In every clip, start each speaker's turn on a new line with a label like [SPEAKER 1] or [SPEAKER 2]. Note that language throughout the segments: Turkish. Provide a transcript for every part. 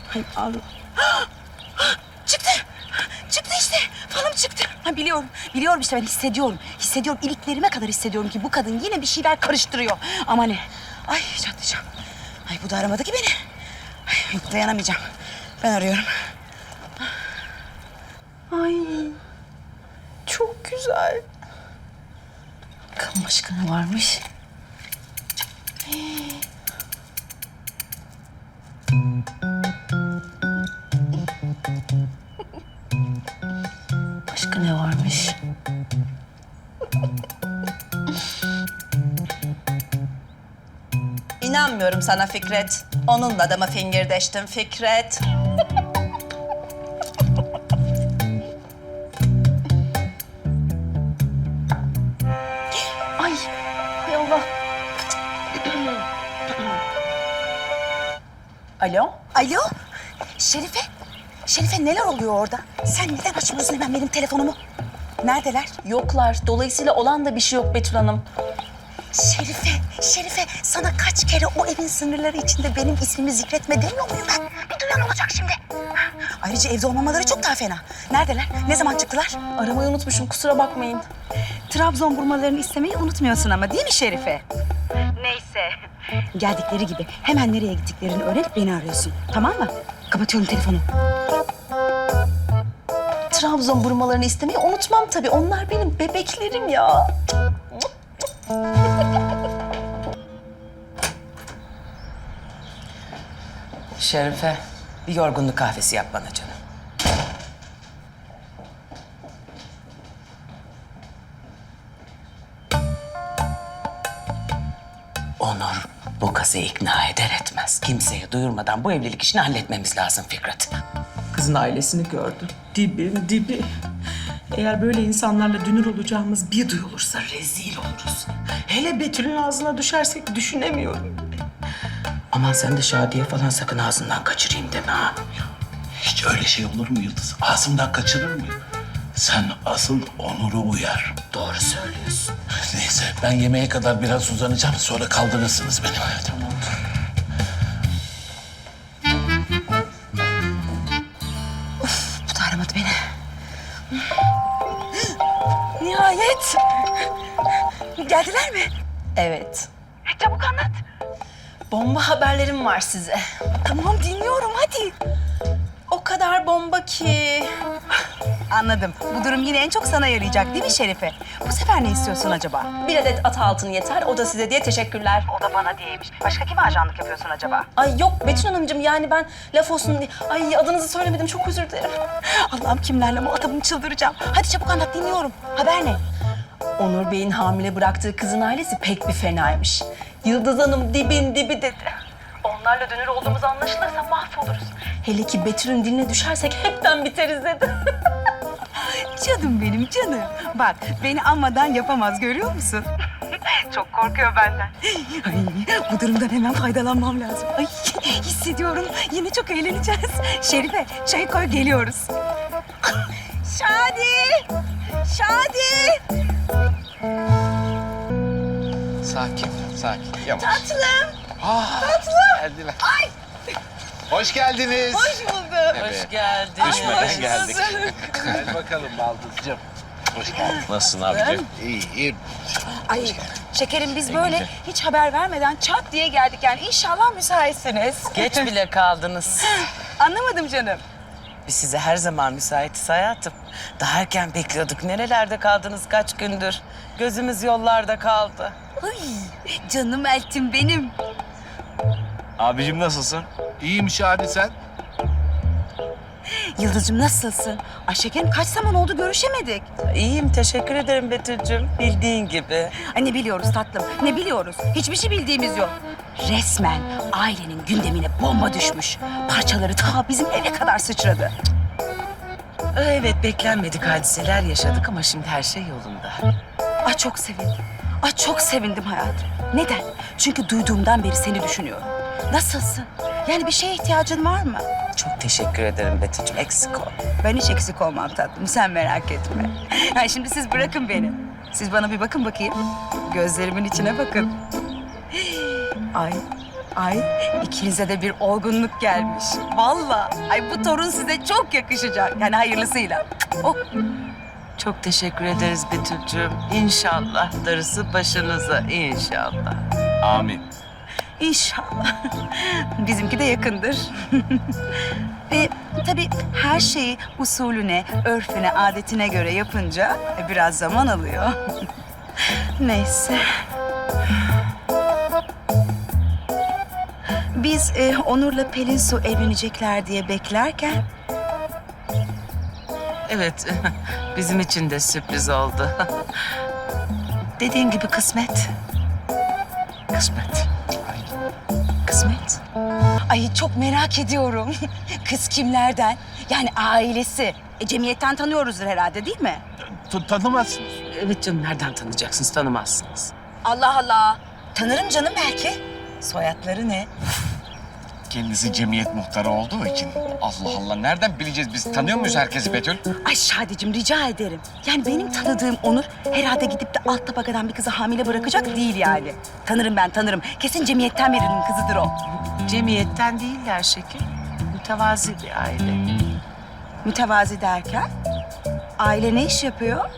[SPEAKER 1] Hay Allah. Çıktı. Çıktı işte. Falım çıktı. Ha, biliyorum. Biliyorum işte ben hissediyorum. Hissediyorum. İliklerime kadar hissediyorum ki bu kadın yine bir şeyler karıştırıyor. Ama ne? Ay çatlayacağım. Ay bu da aramadı ki beni. Ay, yok dayanamayacağım. Ben arıyorum. Ay çok güzel. Bakalım başka ne varmış? Başka ne varmış?
[SPEAKER 2] İnanmıyorum sana Fikret. Onunla da mı fingirdeştin Fikret?
[SPEAKER 1] Ay, hay Allah.
[SPEAKER 2] Alo?
[SPEAKER 1] Alo, Şerife. Şerife neler oluyor orada? Sen neden açmıyorsun hemen benim telefonumu? Neredeler?
[SPEAKER 2] Yoklar. Dolayısıyla olan da bir şey yok Betül Hanım.
[SPEAKER 1] Şerife, Şerife sana kaç kere o evin sınırları içinde benim ismimi zikretme demiyor muyum ben? Bir duyan olacak şimdi. Ayrıca evde olmamaları çok daha fena. Neredeler? Ne zaman çıktılar?
[SPEAKER 2] Aramayı unutmuşum, kusura bakmayın.
[SPEAKER 1] Trabzon burmalarını istemeyi unutmuyorsun ama değil mi Şerife? Neyse. Geldikleri gibi hemen nereye gittiklerini öğrenip beni arıyorsun. Tamam mı? Kapatıyorum telefonu.
[SPEAKER 2] Trabzon burmalarını istemeyi unutmam tabii. Onlar benim bebeklerim ya.
[SPEAKER 3] Şerife, bir yorgunluk kahvesi yap bana canım. Onur bu kızı ikna eder etmez. Kimseye duyurmadan bu evlilik işini halletmemiz lazım Fikret.
[SPEAKER 4] Kızın ailesini gördü. Dibin dibi. Eğer böyle insanlarla dünür olacağımız bir duyulursa rezil oluruz. Hele Betül'ün ağzına düşersek düşünemiyorum.
[SPEAKER 3] Aman sen de Şadiye falan sakın ağzından kaçırayım deme ha.
[SPEAKER 5] Hiç öyle şey olur mu Yıldız? Ağzımdan kaçırır mıyım? Sen asıl Onur'u uyar.
[SPEAKER 3] Doğru söylüyorsun.
[SPEAKER 5] Neyse ben yemeğe kadar biraz uzanacağım. Sonra kaldırırsınız beni. Tamam.
[SPEAKER 1] Bu da aramadı beni. Nihayet. Geldiler mi?
[SPEAKER 2] Evet.
[SPEAKER 1] Çabuk anlat.
[SPEAKER 2] Bomba haberlerim var size.
[SPEAKER 1] Tamam dinliyorum hadi.
[SPEAKER 2] O kadar bomba ki.
[SPEAKER 1] Anladım. Bu durum yine en çok sana yarayacak değil mi Şerife? Bu sefer ne istiyorsun acaba?
[SPEAKER 2] Bir adet at altın yeter. O da size diye teşekkürler.
[SPEAKER 1] O da bana diyeymiş. Başka kime ajanlık yapıyorsun acaba?
[SPEAKER 2] Ay yok Betül Hanımcığım, yani ben laf olsun diye... Ay adınızı söylemedim, çok özür dilerim.
[SPEAKER 1] Allah'ım kimlerle muhatabım, çıldıracağım. Hadi çabuk anlat dinliyorum. Haber ne?
[SPEAKER 2] Onur Bey'in hamile bıraktığı kızın ailesi pek bir fenaymış. Yıldız Hanım dibin dibi dedi. Onlarla dönür olduğumuz anlaşılırsa mahvoluruz. Hele ki Betül'ün diline düşersek hepten biteriz dedi.
[SPEAKER 1] Canım benim canım. Bak beni anmadan yapamaz görüyor musun? Çok korkuyor benden. Ay, bu durumdan hemen faydalanmam lazım. Ay, hissediyorum. Yine çok eğleneceğiz. Şerife çayı koy geliyoruz. Şadi! Şadi!
[SPEAKER 6] Sakin, sakin. Yavaş.
[SPEAKER 1] Tatlım!
[SPEAKER 6] Tatlım. Geldiler. Ay. Hoş geldiniz.
[SPEAKER 1] Hoş bulduk.
[SPEAKER 6] Evet.
[SPEAKER 3] Hoş geldin.
[SPEAKER 6] Düşmeden geldik. Gel bakalım Baldızcığım. Hoş geldin. Nasılsın abicim? İyiyim.
[SPEAKER 1] Ay şekerim biz böyle hiç haber vermeden çat diye geldik. Yani inşallah müsaitsiniz.
[SPEAKER 3] Geç bile kaldınız.
[SPEAKER 1] Anlamadım canım.
[SPEAKER 3] Biz size her zaman müsaitiz hayatım. Daha erken bekliyorduk. Nerelerde kaldınız kaç gündür? Gözümüz yollarda kaldı.
[SPEAKER 1] Ay canım eltim benim.
[SPEAKER 6] Abicim nasılsın? İyiyim Şadi sen.
[SPEAKER 1] Yıldız'cığım nasılsın? Ay şekerim kaç zaman oldu görüşemedik.
[SPEAKER 3] İyiyim, teşekkür ederim Betül'cüğüm. Bildiğin gibi.
[SPEAKER 1] Ay ne biliyoruz tatlım, ne biliyoruz? Hiçbir şey bildiğimiz yok. Resmen ailenin gündemine bomba düşmüş. Parçaları ta bizim eve kadar sıçradı.
[SPEAKER 3] Evet, beklenmedik hadiseler yaşadık ama şimdi her şey yolunda.
[SPEAKER 1] Ay çok sevindim. Ay çok sevindim hayatım. Neden? Çünkü duyduğumdan beri seni düşünüyorum. Nasılsın? Yani bir şeye ihtiyacın var mı?
[SPEAKER 3] Çok teşekkür ederim Betül'cüğüm. Eksik ol.
[SPEAKER 1] Ben hiç eksik olmam tatlım. Sen merak etme. Yani şimdi siz bırakın beni. Siz bana bir bakın bakayım. Gözlerimin içine bakın. Ay Ay ikinize de bir olgunluk gelmiş. Vallahi. Ay bu torun size çok yakışacak. Yani hayırlısıyla. Oh.
[SPEAKER 3] Çok teşekkür ederiz Betül'cüğüm. İnşallah darısı başınıza inşallah.
[SPEAKER 6] Amin.
[SPEAKER 1] İnşallah. Bizimki de yakındır. Ve tabii her şeyi usulüne, örfüne, adetine göre yapınca biraz zaman alıyor. Neyse. Biz Onur'la Pelin Su evlenecekler diye beklerken
[SPEAKER 3] Evet, bizim için de sürpriz oldu. Dediğin gibi kısmet. Kısmet.
[SPEAKER 1] kısmet. Ay çok merak ediyorum. Kız kimlerden? Yani ailesi. Cemiyetten tanıyoruzdur herhalde değil mi?
[SPEAKER 6] Tanımazsınız.
[SPEAKER 3] Evet canım, nereden tanıyacaksınız? Tanımazsınız.
[SPEAKER 1] Allah Allah. Tanırım canım belki. Soyadları ne?
[SPEAKER 6] Kendisi cemiyet muhtarı olduğu için. Allah Allah, nereden bileceğiz biz? Tanıyor muyuz herkesi Betül?
[SPEAKER 1] Ay Şadicim rica ederim. Yani benim tanıdığım Onur herhalde gidip de alt tabakadan bir kızı hamile bırakacak değil yani. Tanırım ben tanırım. Kesin cemiyetten birinin kızıdır o.
[SPEAKER 3] Cemiyetten değiller şeker. Mütevazi bir aile.
[SPEAKER 1] Mütevazi derken? Aile ne iş yapıyor?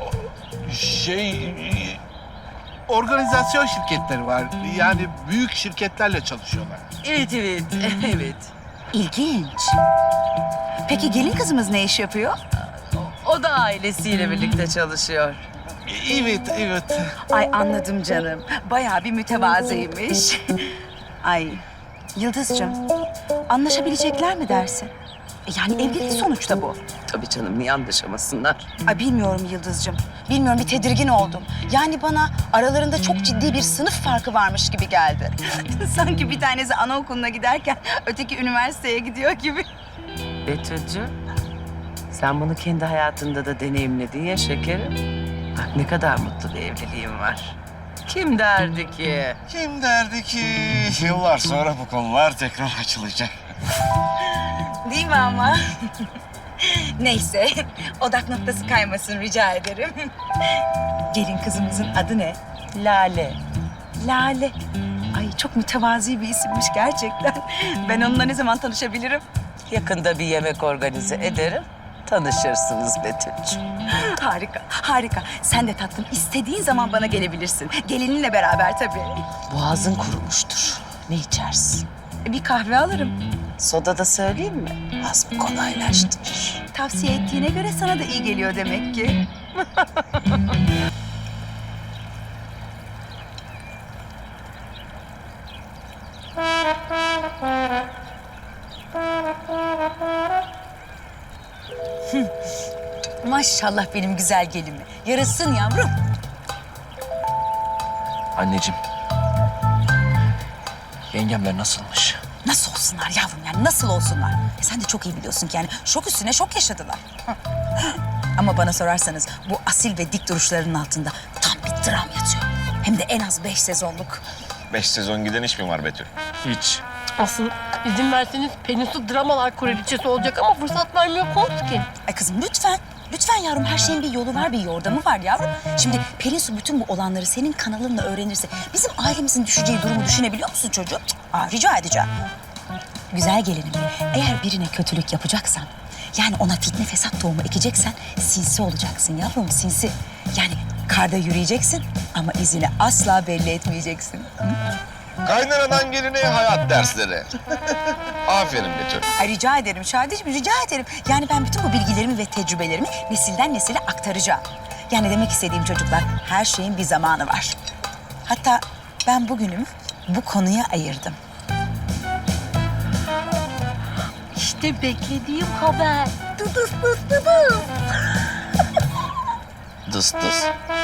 [SPEAKER 6] Organizasyon şirketleri var. Yani büyük şirketlerle çalışıyorlar.
[SPEAKER 3] Evet, evet.
[SPEAKER 1] İlginç. Peki gelin kızımız ne iş yapıyor?
[SPEAKER 3] O da ailesiyle birlikte çalışıyor.
[SPEAKER 6] Evet.
[SPEAKER 1] Ay anladım canım. Bayağı bir mütevazıymış. Ay Yıldız'cığım anlaşabilecekler mi dersin? Yani evlilik sonuçta bu.
[SPEAKER 3] Tabii canım, niye anlaşamasınlar?
[SPEAKER 1] Ay bilmiyorum Yıldız'cığım. Bilmiyorum bir tedirgin oldum. Yani bana aralarında çok ciddi bir sınıf farkı varmış gibi geldi. Sanki bir tanesi anaokuluna giderken öteki üniversiteye gidiyor gibi.
[SPEAKER 3] Betül'cüğüm, sen bunu kendi hayatında da deneyimledin ya şekerim. Bak ne kadar mutlu bir evliliğim var. Kim derdi ki?
[SPEAKER 7] Kim derdi ki yıllar sonra bu konular tekrar açılacak?
[SPEAKER 1] Değil mi ama? Neyse, odak noktası kaymasın rica ederim. Gelin kızımızın adı ne?
[SPEAKER 3] Lale.
[SPEAKER 1] Lale. Ay çok mütevazi bir isimmiş gerçekten. Ben onunla ne zaman tanışabilirim?
[SPEAKER 3] Yakında bir yemek organize ederim. Tanışırsınız Betül'cüğüm.
[SPEAKER 1] Harika, harika. Sen de tatlım istediğin zaman bana gelebilirsin. Gelininle beraber tabii.
[SPEAKER 3] Boğazın kurumuştur. Ne içersin?
[SPEAKER 1] Bir kahve alırım.
[SPEAKER 3] Soda da söyleyeyim mi? Hazmı kolaylaştırır.
[SPEAKER 1] Tavsiye ettiğine göre sana da iyi geliyor demek ki. Maşallah benim güzel gelinime. Yarasın yavrum.
[SPEAKER 8] Anneciğim. Yengemler nasılmış?
[SPEAKER 1] Nasıl olsunlar yavrum yani nasıl olsunlar? Sen de çok iyi biliyorsun ki yani şok üstüne şok yaşadılar. Ama bana sorarsanız bu asil ve dik duruşlarının altında tam bir dram yatıyor. Hem de en az 5 sezonluk.
[SPEAKER 7] 5 sezon giden iş mi var Betül?
[SPEAKER 8] Hiç.
[SPEAKER 9] Asıl izin verseniz Peninsu dramalar kraliçesi olacak ama fırsat vermiyorsunuz ki.
[SPEAKER 1] Ay kızım lütfen. Lütfen yavrum her şeyin bir yolu var, bir yordamı var yavrum. Şimdi Pelin Su bütün bu olanları senin kanalınla öğrenirse bizim ailemizin düşeceği durumu düşünebiliyor musun çocuğum? Rica edeceğim. Güzel gelinim, eğer birine kötülük yapacaksan, yani ona fitne fesat tohumu ekeceksen sinsi olacaksın yavrum, sinsi. Yani karda yürüyeceksin ama izini asla belli etmeyeceksin. Hı?
[SPEAKER 7] Kaynanadan geline hayat dersleri. Aferin Betül.
[SPEAKER 1] Ay rica ederim Şadiciğim, rica ederim. Yani ben bütün bu bilgilerimi ve tecrübelerimi nesilden nesile aktaracağım. Yani demek istediğim çocuklar, her şeyin bir zamanı var. Hatta ben bugünümü bu konuya ayırdım.
[SPEAKER 9] İşte beklediğim haber. Dıdıs dıs dıdıs.
[SPEAKER 7] Dıs dıs.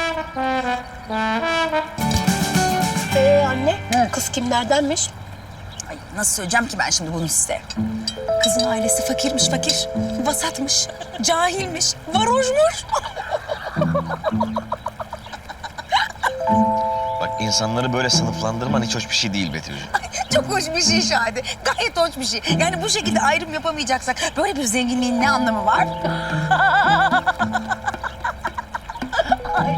[SPEAKER 9] Anne, kız kimlerdenmiş?
[SPEAKER 1] Ay nasıl söyleyeceğim ki ben şimdi bunu size? Kızın ailesi fakirmiş fakir, vasatmış, cahilmiş, varoşmuş.
[SPEAKER 7] Bak insanları böyle sınıflandırman hiç hoş bir şey değil Betül'cüğüm.
[SPEAKER 1] Çok hoş bir şey Şadi, gayet hoş bir şey. Yani bu şekilde ayrım yapamayacaksak böyle bir zenginliğin ne anlamı var?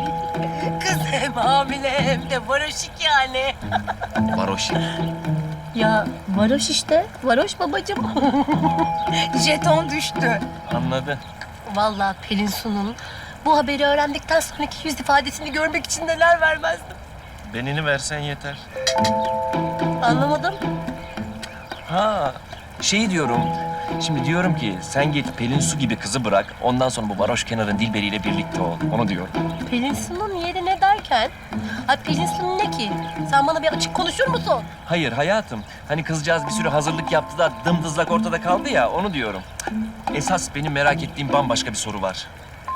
[SPEAKER 9] Kız hem hamile hem de varoşik yani.
[SPEAKER 7] Varoşik.
[SPEAKER 9] Ya varoş işte. Varoş babacığım.
[SPEAKER 1] Jeton düştü.
[SPEAKER 8] Anladı.
[SPEAKER 9] Vallahi Pelin Su'nun bu haberi öğrendikten sonraki yüz ifadesini görmek için neler vermezdim.
[SPEAKER 8] Benini versen yeter.
[SPEAKER 9] Anlamadım.
[SPEAKER 8] Ha, şey diyorum. Şimdi diyorum ki sen git Pelin Su gibi kızı bırak. Ondan sonra bu varoş kenarın Dilberi'yle birlikte ol. Onu diyorum.
[SPEAKER 9] Pelin Su'nun yeri ne derken? Ay Pelin Su'nun ne ki? Sen bana bir açık konuşur musun?
[SPEAKER 8] Hayır hayatım. Hani kızcağız bir sürü hazırlık yaptı da dımdızlak ortada kaldı ya. Onu diyorum. Esas benim merak ettiğim bambaşka bir soru var.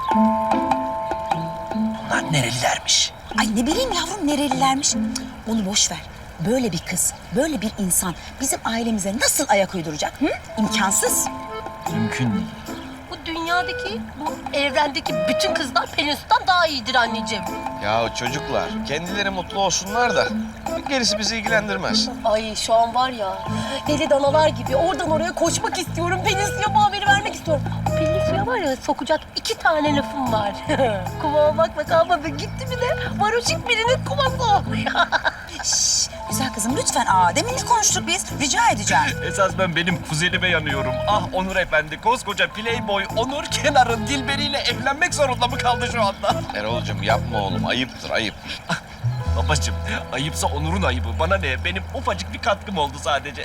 [SPEAKER 8] Bunlar nerelilermiş?
[SPEAKER 1] Ay ne bileyim yavrum nerelilermiş. Cık, onu boş ver. Böyle bir kız, böyle bir insan bizim ailemize nasıl ayak uyduracak? Hı? İmkansız.
[SPEAKER 8] Mümkün değil.
[SPEAKER 9] Bu dünyadaki, bu evrendeki bütün kızlar Pelin Su'dan daha iyidir anneciğim.
[SPEAKER 7] Ya çocuklar kendileri mutlu olsunlar da gerisi bizi ilgilendirmez.
[SPEAKER 9] Ay şu an var ya, deli danalar gibi oradan oraya koşmak istiyorum. Pelin Su'ya bu haberi vermek istiyorum. Pelin Su'ya var ya sokacak 2 tane lafım var. Kuma bakma kalmadı gitti bir de varoşik birinin kuması o.
[SPEAKER 1] Şşş, güzel kızım lütfen. Demin ne konuştuk biz? Rica edeceğim.
[SPEAKER 8] Esas ben benim kuzenime yanıyorum. Ah Onur Efendi, koskoca playboy Onur Kenar'ın Dilberi'yle evlenmek zorunda mı kaldı şu anda?
[SPEAKER 7] Erol'cum yapma oğlum ayıptır ayıp.
[SPEAKER 8] Babacığım, ayıpsa Onur'un ayıbı. Bana ne? Benim ufacık bir katkım oldu sadece.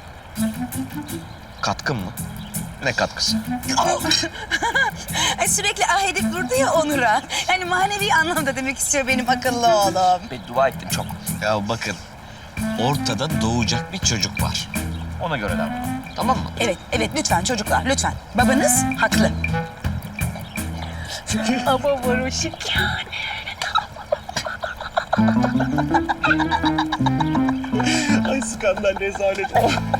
[SPEAKER 7] Katkın mı? Ne katkısı?
[SPEAKER 1] Sürekli edip durdu ya Onur'a. Yani manevi anlamda demek istiyor benim akıllı oğlum.
[SPEAKER 8] Beddua ettim çok.
[SPEAKER 7] Ya bakın ortada doğacak bir çocuk var.
[SPEAKER 8] Ona göre davran.
[SPEAKER 7] Tamam mı?
[SPEAKER 1] Evet, evet lütfen çocuklar lütfen. Babanız haklı.
[SPEAKER 9] Ama varoşik yani.
[SPEAKER 8] Ay skandal rezalet.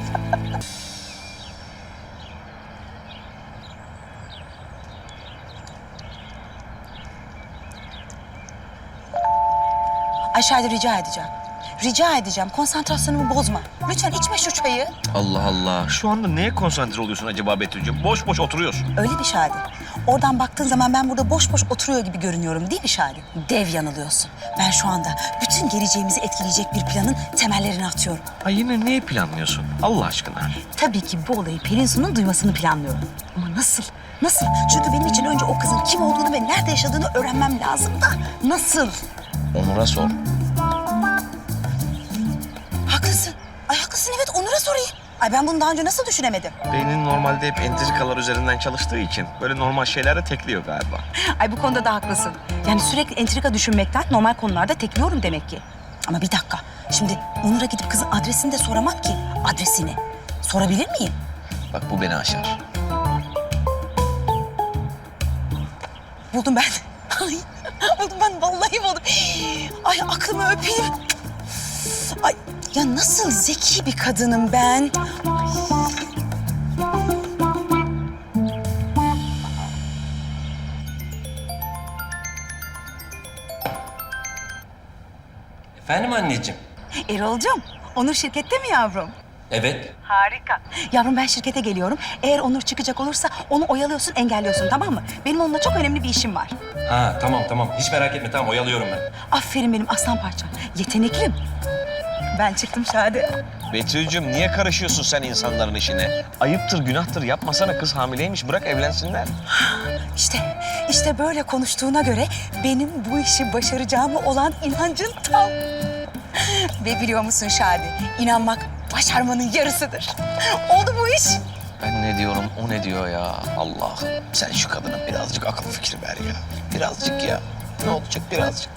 [SPEAKER 1] Aşağıda rica edeceğim. Rica edeceğim. Konsantrasyonumu bozma. Lütfen içme şu çayı.
[SPEAKER 7] Allah Allah. Şu anda neye konsantre oluyorsun acaba Betül'cüğüm? Boş boş oturuyorsun.
[SPEAKER 1] Öyle bir Şadi. Oradan baktığın zaman ben burada boş boş oturuyor gibi görünüyorum değil mi Şadi? Dev yanılıyorsun. Ben şu anda bütün geleceğimizi etkileyecek bir planın temellerini atıyorum.
[SPEAKER 7] Ay yine neyi planlıyorsun? Allah aşkına.
[SPEAKER 1] Tabii ki bu olayı Pelin Su'nun duymasını planlıyorum. Ama nasıl? Nasıl? Çünkü benim için önce o kızın kim olduğunu ve nerede yaşadığını öğrenmem lazım da. Nasıl?
[SPEAKER 7] Onur'a sor.
[SPEAKER 1] Haklısın. Ay haklısın evet Onur'a sorayım. Ay ben bunu daha önce nasıl düşünemedim?
[SPEAKER 7] Beynin normalde hep entrikalar üzerinden çalıştığı için böyle normal şeylerde tekliyor galiba.
[SPEAKER 1] Ay bu konuda da haklısın. Yani sürekli entrika düşünmekten normal konularda tekliyorum demek ki. Ama bir dakika. Şimdi Onur'a gidip kızın adresini de soramam ki. Adresini. Sorabilir miyim?
[SPEAKER 7] Bak bu beni aşar.
[SPEAKER 1] Buldum ben. Ay buldum ben vallahi buldum. Ay aklımı öpeyim. Ay ya nasıl zeki bir kadınım ben.
[SPEAKER 8] Efendim anneciğim?
[SPEAKER 1] Erol'cum, Onur şirkette mi yavrum?
[SPEAKER 8] Evet.
[SPEAKER 1] Harika. Yavrum ben şirkete geliyorum. Eğer Onur çıkacak olursa onu oyalıyorsun, engelliyorsun tamam mı? Benim onunla çok önemli bir işim var.
[SPEAKER 8] Ha tamam. Hiç merak etme tamam oyalıyorum ben.
[SPEAKER 1] Aferin benim aslan parçam. Yeteneklim. Ben çıktım Şadi.
[SPEAKER 7] Betül'cüğüm niye karışıyorsun sen insanların işine? Ayıptır, günahtır. Yapmasana kız hamileymiş. Bırak evlensinler.
[SPEAKER 1] İşte böyle konuştuğuna göre benim bu işi başaracağıma olan inancın tam. Ve biliyor musun Şadi? İnanmak başarmanın yarısıdır. Oldu bu iş.
[SPEAKER 7] Ben ne diyorum, o ne diyor ya? Allah'ım sen şu kadına birazcık akıl fikri ver ya. Birazcık ya. Ne olacak birazcık?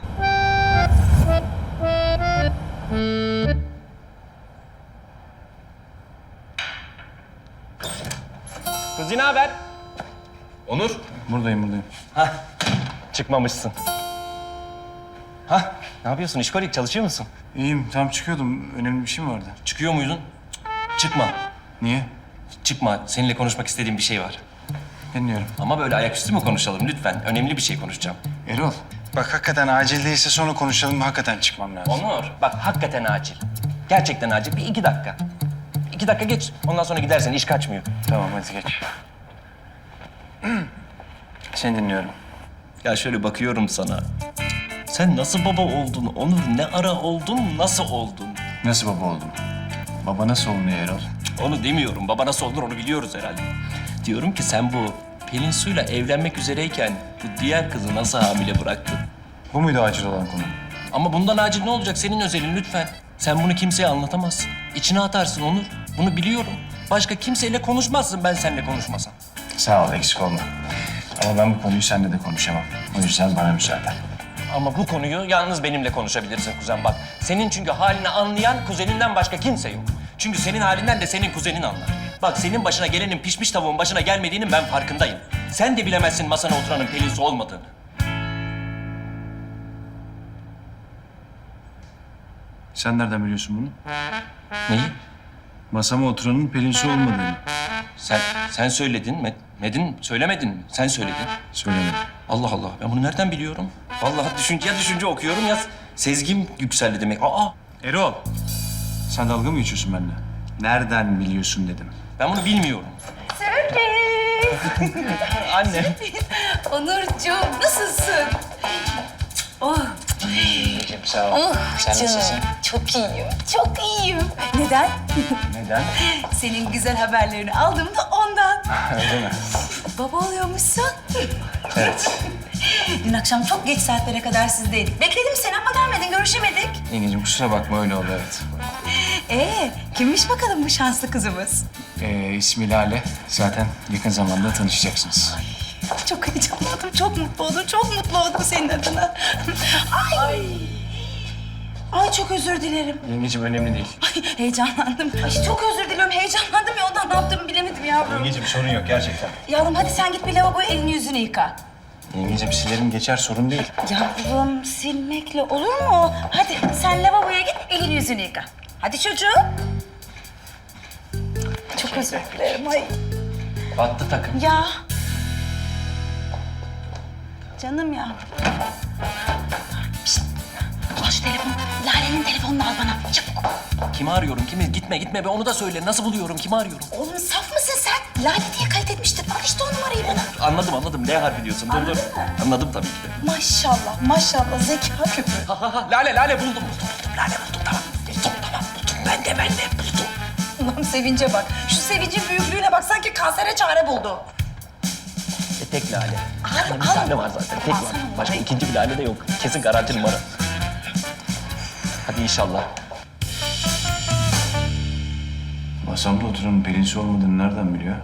[SPEAKER 8] Kız ne haber? Onur.
[SPEAKER 10] Buradayım.
[SPEAKER 8] Hah, çıkmamışsın. Hah, ne yapıyorsun? İşkolik çalışıyor musun?
[SPEAKER 10] İyiyim, tam çıkıyordum. Önemli bir şey mi vardı?
[SPEAKER 8] Çıkıyor muydun? Çıkma.
[SPEAKER 10] Niye?
[SPEAKER 8] Çıkma. Seninle konuşmak istediğim bir şey var.
[SPEAKER 10] Dinliyorum.
[SPEAKER 8] Ama böyle ayaküstü mü konuşalım lütfen? Önemli bir şey konuşacağım.
[SPEAKER 10] Erol, bak hakikaten acil değilse sonra konuşalım. Hakikaten çıkmam lazım.
[SPEAKER 8] Onur, bak hakikaten acil. Gerçekten acil. Bir 2 dakika. 2 dakika geç. Ondan sonra gidersen iş kaçmıyor.
[SPEAKER 10] Tamam, hadi geç. Seni dinliyorum.
[SPEAKER 8] Ya şöyle bakıyorum sana. Sen nasıl baba oldun Onur? Ne ara oldun, nasıl oldun?
[SPEAKER 10] Nasıl baba oldum? Baba nasıl olunuyor Erol?
[SPEAKER 8] Onu demiyorum. Baba nasıl olur onu biliyoruz herhalde. Diyorum ki sen bu Pelin Su'yla evlenmek üzereyken bu diğer kızı nasıl hamile bıraktın?
[SPEAKER 10] Bu muydu acil olan konu?
[SPEAKER 8] Ama bundan acil ne olacak? Senin özelin lütfen. Sen bunu kimseye anlatamazsın. İçine atarsın Onur. Bunu biliyorum. Başka kimseyle konuşmazsın ben seninle konuşmasam.
[SPEAKER 10] Sağ ol, eksik olma. Ama ben bu konuyu seninle de konuşamam. O yüzden bana müsaade.
[SPEAKER 8] Ama bu konuyu yalnız benimle konuşabilirsin kuzen bak. Senin çünkü halini anlayan kuzeninden başka kimse yok. Çünkü senin halinden de senin kuzenin anlar. Bak senin başına gelenin pişmiş tavuğun başına gelmediğinin ben farkındayım. Sen de bilemezsin masana oturanın Pelin Su olmadığını.
[SPEAKER 10] Sen nereden biliyorsun bunu?
[SPEAKER 8] Neyi?
[SPEAKER 10] Masama oturanın Pelin Su olmadığını.
[SPEAKER 8] Sen söyledin. Medin söylemedin mi? Sen söyledin.
[SPEAKER 10] Söylemedim.
[SPEAKER 8] Allah Allah. Ben bunu nereden biliyorum? Vallahi düşünce okuyorum ya sezgim yükseldi demek. Aa!
[SPEAKER 10] Erol! Sen dalga mı geçiyorsun benimle? Nereden biliyorsun dedim.
[SPEAKER 8] Ben bunu bilmiyorum.
[SPEAKER 1] Sürpriz!
[SPEAKER 8] Anne.
[SPEAKER 1] Onurcuğum nasılsın? Oh,
[SPEAKER 10] İyiyim, sağ ol.
[SPEAKER 1] oh canım. Çok iyiyim, çok iyiyim. Neden?
[SPEAKER 10] Neden?
[SPEAKER 1] Senin güzel haberlerini aldım da ondan.
[SPEAKER 10] Öyle mi?
[SPEAKER 1] Baba oluyormuşsun.
[SPEAKER 10] Evet.
[SPEAKER 1] Dün akşam çok geç saatlere kadar sizdeydik. Bekledim seni ama gelmedin, görüşemedik.
[SPEAKER 10] Yengeciğim kusura bakma öyle oldu evet.
[SPEAKER 1] Kimmiş bakalım bu şanslı kızımız?
[SPEAKER 10] İsmi Lale. Zaten yakın zamanda tanışacaksınız.
[SPEAKER 1] Çok heyecanlandım, çok mutlu oldum, çok mutlu oldum senin adına. Ay çok özür dilerim.
[SPEAKER 10] Yengeciğim önemli değil.
[SPEAKER 1] Ay heyecanlandım. Ay çok özür diliyorum, heyecanlandım ya ondan ne yaptığımı bilemedim yavrum.
[SPEAKER 10] Yengeciğim sorun yok gerçekten.
[SPEAKER 1] Yavrum hadi sen git bir lavaboya elini yüzünü yıka.
[SPEAKER 10] Yengeciğim silerim geçer sorun değil.
[SPEAKER 1] Yavrum silmekle olur mu? Hadi sen lavaboya git elini yüzünü yıka. Hadi çocuğum. Çok özür dilerim ay.
[SPEAKER 8] Battı takım.
[SPEAKER 1] Ya. Canım ya. Pişt. Al şu telefonu. Lale'nin telefonunu al bana. Çabuk.
[SPEAKER 8] Kimi arıyorum? Kimi? Gitme be onu da söyle. Nasıl buluyorum? Kimi arıyorum?
[SPEAKER 1] Oğlum saf mısın sen? Lale diye kayıt etmiştin. Al işte o numarayı bana.
[SPEAKER 8] Anladım. Ne harfi diyorsun? Dur. Anladım tabii ki de.
[SPEAKER 1] Maşallah zeka küpü.
[SPEAKER 8] Lale buldum. Lale buldum tamam. Buldum. Ben de buldum.
[SPEAKER 1] Ulan sevince bak. Şu sevincin büyüklüğüne bak. Sanki kansere çare buldu.
[SPEAKER 8] Tek lale.
[SPEAKER 1] Al,
[SPEAKER 8] Bir
[SPEAKER 1] al.
[SPEAKER 8] tane var zaten. Tek var.
[SPEAKER 1] Alsana
[SPEAKER 8] Başka
[SPEAKER 1] numarayı.
[SPEAKER 8] ikinci bir lale de yok. Kesin garanti numara. Hadi inşallah.
[SPEAKER 10] Masamda oturanın Pelin Su olmadığını nereden biliyor?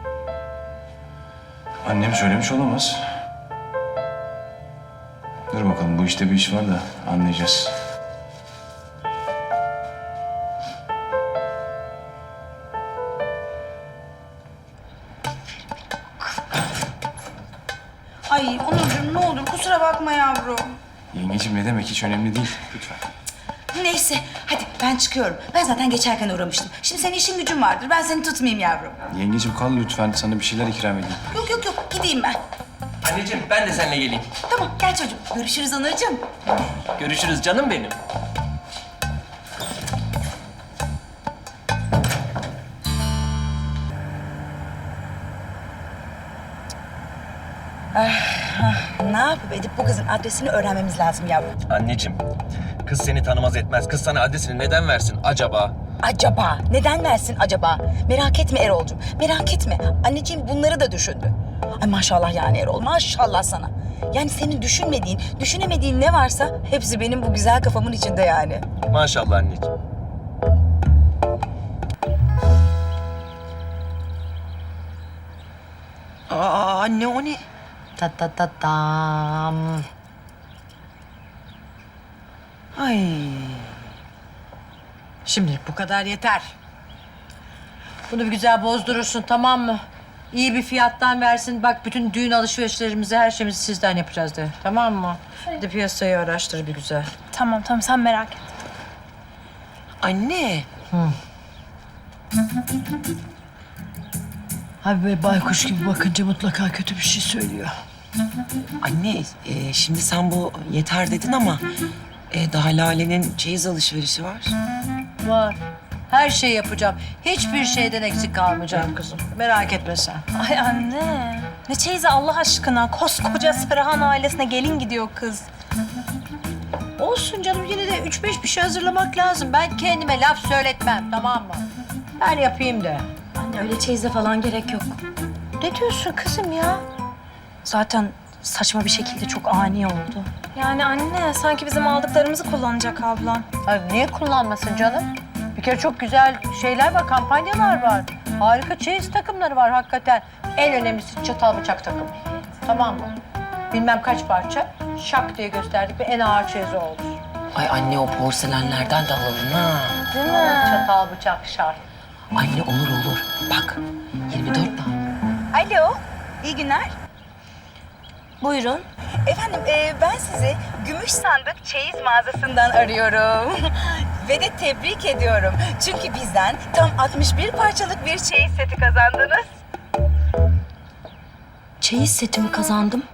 [SPEAKER 10] Annem söylemiş olamaz. Dur bakalım bu işte bir iş var da anlayacağız.
[SPEAKER 1] Ay Onurcuğum ne olur kusura bakma yavrum.
[SPEAKER 10] Yengeciğim ne demek hiç önemli değil. Lütfen.
[SPEAKER 1] Neyse hadi ben çıkıyorum. Ben zaten geçerken uğramıştım. Şimdi senin işin gücün vardır. Ben seni tutmayayım yavrum.
[SPEAKER 10] Yengeciğim kal lütfen sana bir şeyler ikram edeyim.
[SPEAKER 1] Yok gideyim ben.
[SPEAKER 8] Anneciğim ben de seninle geleyim.
[SPEAKER 1] Tamam gel çocuğum. Görüşürüz Onurcuğum.
[SPEAKER 8] Görüşürüz canım benim.
[SPEAKER 1] Ne yapıp edip bu kızın adresini öğrenmemiz lazım yavrum.
[SPEAKER 8] Anneciğim, kız seni tanımaz etmez. Kız sana adresini neden versin acaba?
[SPEAKER 1] Acaba? Neden versin acaba? Merak etme Erol'cum. Merak etme. Anneciğim bunları da düşündü. Ay maşallah yani Erol. Maşallah sana. Yani senin düşünmediğin, düşünemediğin ne varsa hepsi benim bu güzel kafamın içinde yani.
[SPEAKER 8] Maşallah anneciğim.
[SPEAKER 3] Aa anne o ne?
[SPEAKER 9] Tam.
[SPEAKER 3] Ay.
[SPEAKER 9] Şimdilik bu kadar yeter. Bunu bir güzel bozdurursun tamam mı? İyi bir fiyattan versin. Bak bütün düğün alışverişlerimizi, her şeyimizi sizden yapacağız de. Tamam mı? Bir de piyasayı araştır bir güzel.
[SPEAKER 2] Tamam sen merak et.
[SPEAKER 3] Anne.
[SPEAKER 9] Abi böyle baykuş gibi bakınca mutlaka kötü bir şey söylüyor.
[SPEAKER 3] Anne şimdi sen bu yeter dedin ama daha Lale'nin çeyiz alışverişi var.
[SPEAKER 9] Var. Her şeyi yapacağım. Hiçbir şeyden eksik kalmayacağım kızım. Merak etme sen.
[SPEAKER 2] Ay anne. Ne çeyizi Allah aşkına. Koskoca Sarıhan ailesine gelin gidiyor kız.
[SPEAKER 9] Olsun canım yine de 3-5 bir şey hazırlamak lazım. Ben kendime laf söyletmem, tamam mı? Ben yapayım da.
[SPEAKER 1] Anne öyle çeyize falan gerek yok.
[SPEAKER 9] Ne diyorsun kızım ya?
[SPEAKER 1] Zaten saçma bir şekilde çok ani oldu.
[SPEAKER 2] Yani anne sanki bizim aldıklarımızı kullanacak ablam.
[SPEAKER 9] Ay niye kullanmasın canım? Bir kere çok güzel şeyler var, kampanyalar var. Harika çeyiz takımları var hakikaten. En önemlisi çatal bıçak takımı. Tamam mı? Bilmem kaç parça, şak diye gösterdik ve en ağır çeyiz oldu.
[SPEAKER 3] Ay anne o porselenlerden de alalım ha.
[SPEAKER 2] Değil mi?
[SPEAKER 9] Çatal bıçak şart.
[SPEAKER 3] Anne olur. Bak 24 tane.
[SPEAKER 1] Alo, iyi günler.
[SPEAKER 2] Buyurun.
[SPEAKER 1] Efendim ben sizi Gümüş Sandık Çeyiz mağazasından arıyorum. Ve de tebrik ediyorum. Çünkü bizden tam 61 parçalık bir çeyiz seti kazandınız.
[SPEAKER 2] Çeyiz setimi kazandım.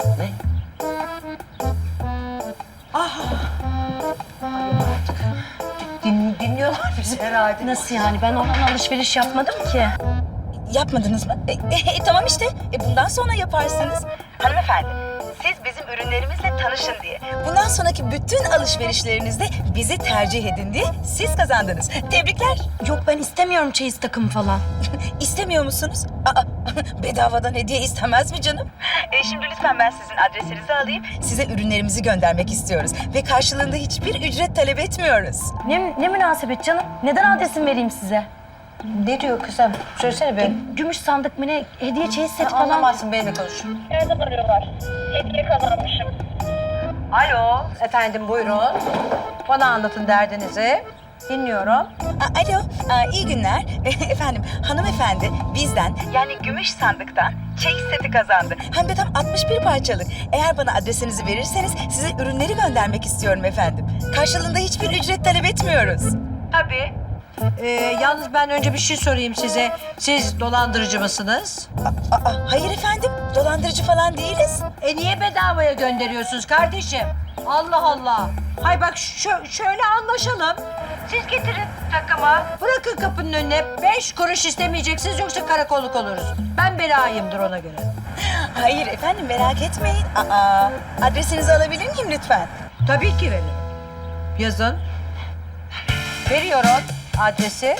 [SPEAKER 9] Dinliyorlar bizi herhalde.
[SPEAKER 2] Nasıl yani? Ben ondan alışveriş yapmadım ki.
[SPEAKER 1] Yapmadınız mı? Tamam işte. Bundan sonra yaparsınız. Hanımefendi, siz bizim ürünlerimizle tanışın diye. Bundan sonraki bütün alışverişlerinizde bizi tercih edin diye siz kazandınız. Tebrikler.
[SPEAKER 2] Yok ben istemiyorum çeyiz takımı falan.
[SPEAKER 1] İstemiyor musunuz? Aa, bedavadan hediye istemez mi canım? Şimdi lütfen ben sizin adresinizi alayım. Size ürünlerimizi göndermek istiyoruz. Ve karşılığında hiçbir ücret talep etmiyoruz.
[SPEAKER 2] Ne münasebet canım? Neden adresimi vereyim size?
[SPEAKER 9] Ne diyor kızım? Söylesene be.
[SPEAKER 2] Gümüş sandık mı ne? Hediye çeyiz seti falan.
[SPEAKER 9] Anlamazsın, benimle konuş.
[SPEAKER 11] Nereden arıyorlar? Hediye kazanmışım.
[SPEAKER 9] Alo, efendim buyurun. Bana anlatın derdinizi. Dinliyorum.
[SPEAKER 1] Alo, iyi günler. Efendim, hanımefendi bizden yani Gümüş Sandık'tan çeyiz seti kazandı. Hem de tam 61 parçalık. Eğer bana adresinizi verirseniz size ürünleri göndermek istiyorum efendim. Karşılığında hiçbir ücret talep etmiyoruz.
[SPEAKER 9] Tabii. Yalnız ben önce bir şey sorayım size. Siz dolandırıcı mısınız?
[SPEAKER 1] Hayır efendim, dolandırıcı falan değiliz.
[SPEAKER 9] Niye bedavaya gönderiyorsunuz kardeşim? Allah Allah. Hay bak şöyle anlaşalım. Siz getirin takımı. Bırakın kapının önüne. 5 kuruş istemeyeceksiniz yoksa karakolluk oluruz. Ben belayımdır ona göre.
[SPEAKER 1] Hayır efendim, merak etmeyin. Adresinizi alabilir miyim lütfen?
[SPEAKER 9] Tabii ki veririm. Yazın. Veriyorum adresi.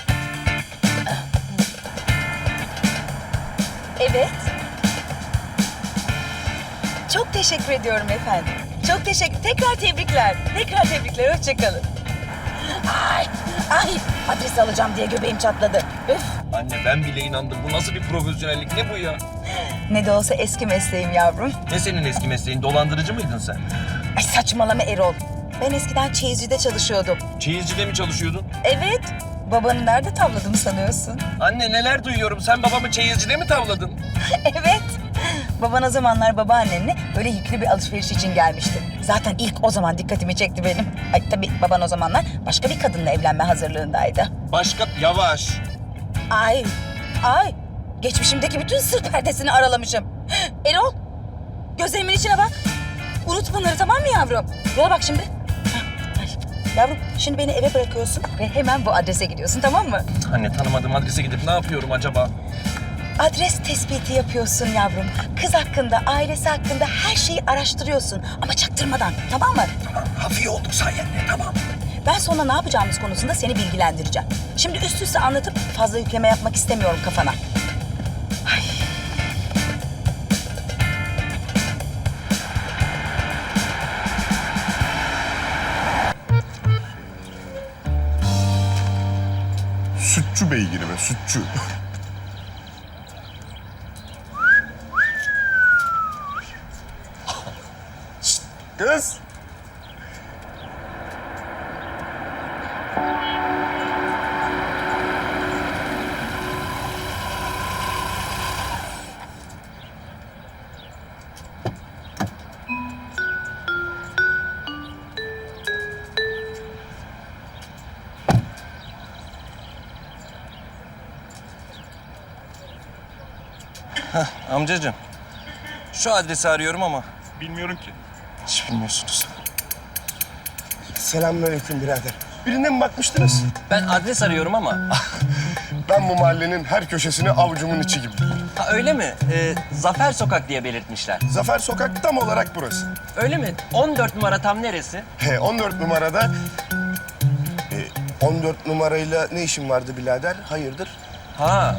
[SPEAKER 1] Evet. Çok teşekkür ediyorum efendim. Çok teşekkür. Tekrar tebrikler. Tekrar tebrikler. Hoşça kalın. Ay, adresi alacağım diye göbeğim çatladı. Üf.
[SPEAKER 8] Anne ben bile inandım. Bu nasıl bir profesyonellik? Ne bu ya?
[SPEAKER 1] Ne de olsa eski mesleğim yavrum.
[SPEAKER 8] Ne senin eski mesleğin? Dolandırıcı mıydın sen?
[SPEAKER 1] Ay saçmalama Erol. Ben eskiden çeyizcide çalışıyordum.
[SPEAKER 8] Çeyizcide mi çalışıyordun?
[SPEAKER 1] Evet. Babanı nerede tavladım sanıyorsun?
[SPEAKER 8] Anne neler duyuyorum. Sen babamı çeyizcide mi tavladın?
[SPEAKER 1] Evet. Baban o zamanlar babaannenle böyle yüklü bir alışveriş için gelmişti. Zaten ilk o zaman dikkatimi çekti benim. Ay tabii baban o zamanlar başka bir kadınla evlenme hazırlığındaydı.
[SPEAKER 8] Başka... Yavaş.
[SPEAKER 1] Ay. Geçmişimdeki bütün sır perdesini aralamışım. Erol, gözlerimin içine bak. Unut bunları, tamam mı yavrum? Yola bak şimdi. Ay, yavrum, şimdi beni eve bırakıyorsun ve hemen bu adrese gidiyorsun, tamam mı?
[SPEAKER 8] Anne tanımadığım adrese gidip ne yapıyorum acaba?
[SPEAKER 1] Adres tespiti yapıyorsun yavrum. Kız hakkında, ailesi hakkında her şeyi araştırıyorsun. Ama çaktırmadan, tamam mı?
[SPEAKER 8] Hafif olduk sayende, tamam.
[SPEAKER 1] Ben sonra ne yapacağımız konusunda seni bilgilendireceğim. Şimdi üst üste anlatıp fazla yükleme yapmak istemiyorum kafana. Ay.
[SPEAKER 12] Sütçü beygiri be, sütçü. Şşt, kız.
[SPEAKER 8] Amcacığım, şu adresi arıyorum ama
[SPEAKER 10] Bilmiyorum ki.
[SPEAKER 8] hiç bilmiyorsunuz.
[SPEAKER 12] Selamünaleyküm birader. Birine mi bakmıştınız?
[SPEAKER 8] Ben adres arıyorum ama.
[SPEAKER 12] Ben bu mahallenin her köşesini avucumun içi gibi.
[SPEAKER 8] Ha, öyle mi? Zafer Sokak diye belirtmişler.
[SPEAKER 12] Zafer Sokak tam olarak burası.
[SPEAKER 8] Öyle mi? 14 numara tam neresi?
[SPEAKER 12] 14 numarada 14 numarayla ne işin vardı birader? Hayırdır?
[SPEAKER 8] Ha,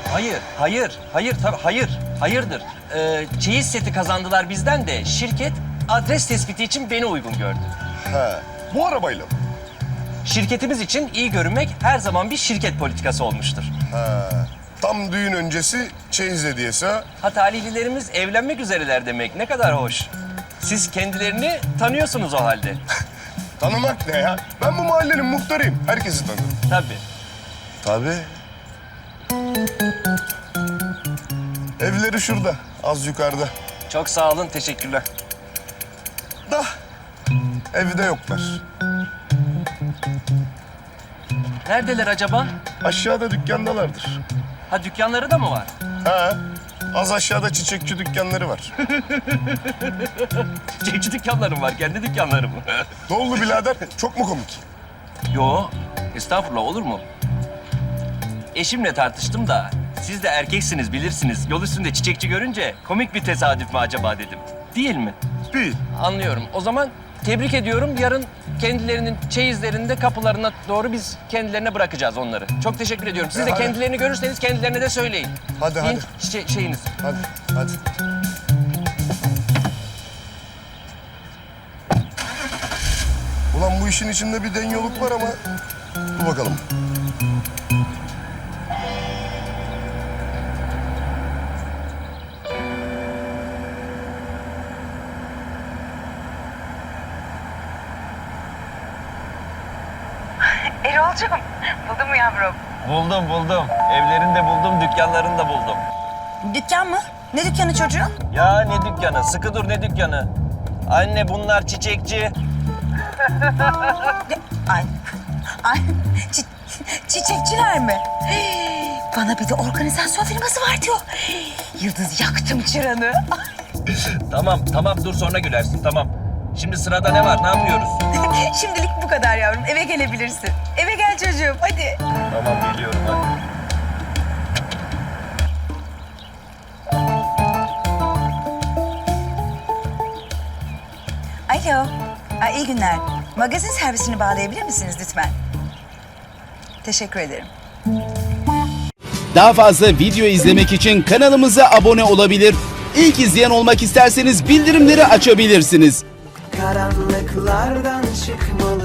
[SPEAKER 8] hayırdır. Çeyiz seti kazandılar bizden de şirket adres tespiti için beni uygun gördü.
[SPEAKER 12] Ha, bu arabayla mı?
[SPEAKER 8] Şirketimiz için iyi görünmek her zaman bir şirket politikası olmuştur.
[SPEAKER 12] Ha, tam düğün öncesi çeyiz hediyesi ha?
[SPEAKER 8] Ha talihlilerimiz evlenmek üzereler demek ne kadar hoş. Siz kendilerini tanıyorsunuz o halde.
[SPEAKER 12] Tanımak ne ya? Ben bu mahallenin muhtarıyım. Herkesi tanırım.
[SPEAKER 8] Tabii.
[SPEAKER 12] Tabii. Evleri şurada, az yukarıda.
[SPEAKER 8] Çok sağ olun, teşekkürler.
[SPEAKER 12] Da evde yoklar.
[SPEAKER 8] Neredeler acaba?
[SPEAKER 12] Aşağıda dükkandalardır.
[SPEAKER 8] Ha dükkanları da mı var?
[SPEAKER 12] Ha, az aşağıda çiçekçi dükkanları var.
[SPEAKER 8] Çiçekçi dükkanlarım var, kendi dükkanlarım.
[SPEAKER 12] Ne oldu birader? Çok mu komik?
[SPEAKER 8] Yo, estağfurullah olur mu? Eşimle tartıştım da siz de erkeksiniz bilirsiniz. Yol üstünde çiçekçi görünce komik bir tesadüf mü acaba dedim. Değil mi?
[SPEAKER 12] Değil.
[SPEAKER 8] Anlıyorum. O zaman tebrik ediyorum. Yarın kendilerinin çeyizlerinde kapılarına doğru biz kendilerine bırakacağız onları. Çok teşekkür ediyorum. Siz de
[SPEAKER 12] hadi.
[SPEAKER 8] kendilerini görürseniz kendilerine de söyleyin.
[SPEAKER 12] Hadi,
[SPEAKER 8] Deyin,
[SPEAKER 12] hadi.
[SPEAKER 8] şeyiniz.
[SPEAKER 12] Hadi, hadi. Ulan bu işin içinde bir dengoluk var ama dur bakalım.
[SPEAKER 1] Erol'cum buldun mu yavrum?
[SPEAKER 8] Buldum. Evlerini de buldum, dükkanlarını da buldum.
[SPEAKER 1] Dükkan mı? Ne dükkanı çocuğum?
[SPEAKER 8] Ya ne dükkanı? Sıkı dur ne dükkanı? Anne bunlar çiçekçi.
[SPEAKER 1] Ay çiçekçiler mi? Bana bir de organizasyon firması var diyor. Yıldız yaktım çıranı.
[SPEAKER 8] Tamam dur sonra gülersin tamam. Şimdi sırada ne var? Ne yapıyoruz?
[SPEAKER 1] Şimdilik bu kadar yavrum. Eve gelebilirsin. Eve gel çocuğum hadi.
[SPEAKER 8] Tamam geliyorum hadi.
[SPEAKER 1] Alo. İyi günler. Magazin servisini bağlayabilir misiniz lütfen? Teşekkür ederim.
[SPEAKER 13] Daha fazla video izlemek için kanalımıza abone olabilir. İlk izleyen olmak isterseniz bildirimleri açabilirsiniz.
[SPEAKER 14] Karanlıklardan çıkmalı.